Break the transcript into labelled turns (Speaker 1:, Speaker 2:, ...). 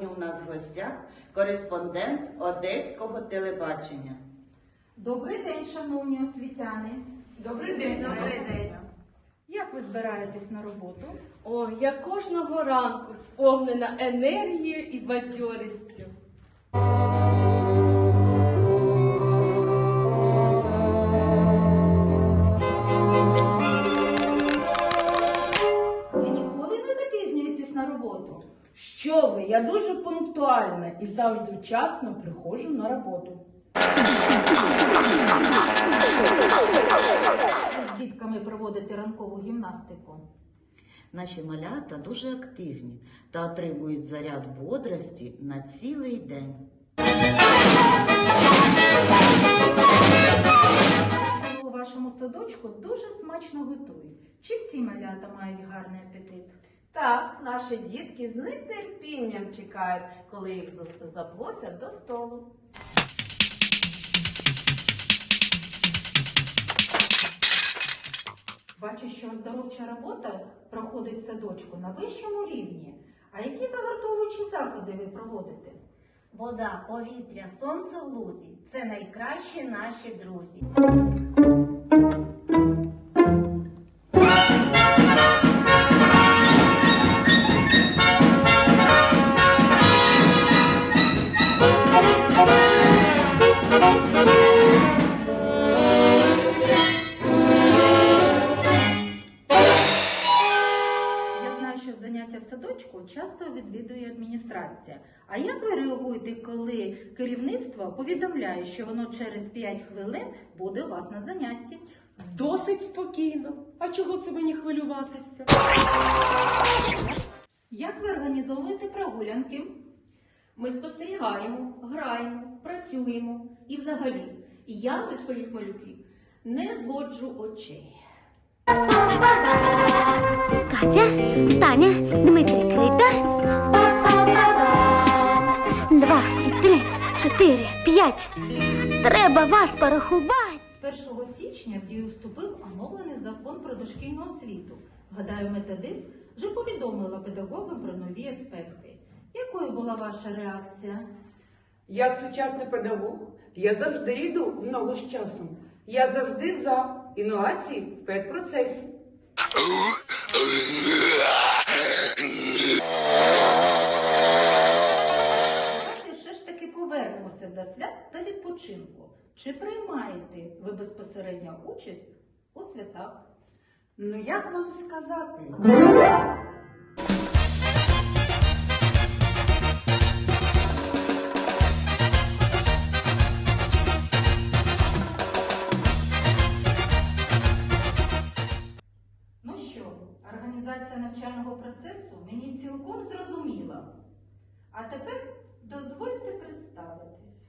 Speaker 1: Сьогодні у нас в гостях кореспондент Одеського телебачення.
Speaker 2: Добрий день, шановні освітяни.
Speaker 3: Добрий день.
Speaker 4: Добрий день.
Speaker 2: Як ви збираєтесь на роботу?
Speaker 3: О, я кожного ранку сповнена енергією і бадьорістю.
Speaker 2: Ви ніколи не запізнюєтесь на роботу?
Speaker 5: Що ви? Я дуже пунктуальна і завжди вчасно приходжу на роботу.
Speaker 2: Ви з дітками проводите ранкову гімнастику?
Speaker 1: Наші малята дуже активні та отримують заряд бодрості на цілий день.
Speaker 2: Чому у вашому садочку дуже смачно готують? Чи всі малята мають гарний апетит?
Speaker 4: Так, наші дітки з нетерпінням чекають, коли їх запросять до столу.
Speaker 2: Бачу, що оздоровча робота проходить в садочку на вищому рівні. А які загартовуючі заходи ви проводите?
Speaker 6: Вода, повітря, сонце в лузі – це найкращі наші друзі.
Speaker 2: Я знаю, що заняття в садочку часто відвідує адміністрація. А як ви реагуєте, коли керівництво повідомляє, що воно через 5 хвилин буде у вас на занятті?
Speaker 7: Досить спокійно. А чого це мені хвилюватися?
Speaker 2: Як ви організовуєте прогулянки?
Speaker 3: Ми спостерігаємо, граємо, працюємо. І взагалі, я зі своїх малюків не зводжу очей.
Speaker 8: Катя, Таня, Дмитрик, Рита. 2, 3, 4, 5. Треба вас порахувати.
Speaker 2: З 1 січня в дію вступив оновлений закон про дошкільну освіту. Гадаю, методист вже повідомила педагогам про нові аспекти. Якою була ваша реакція?
Speaker 9: Як сучасний педагог, я завжди йду в ногу з часом. Я завжди за інновації в педпроцесі.
Speaker 2: Давайте все ж таки повернемося до свят та відпочинку. Чи приймаєте ви безпосередньо участь у святах?
Speaker 7: Ну як вам сказати?
Speaker 2: Ну що, організація навчального процесу мені цілком зрозуміла. А тепер дозвольте представитись.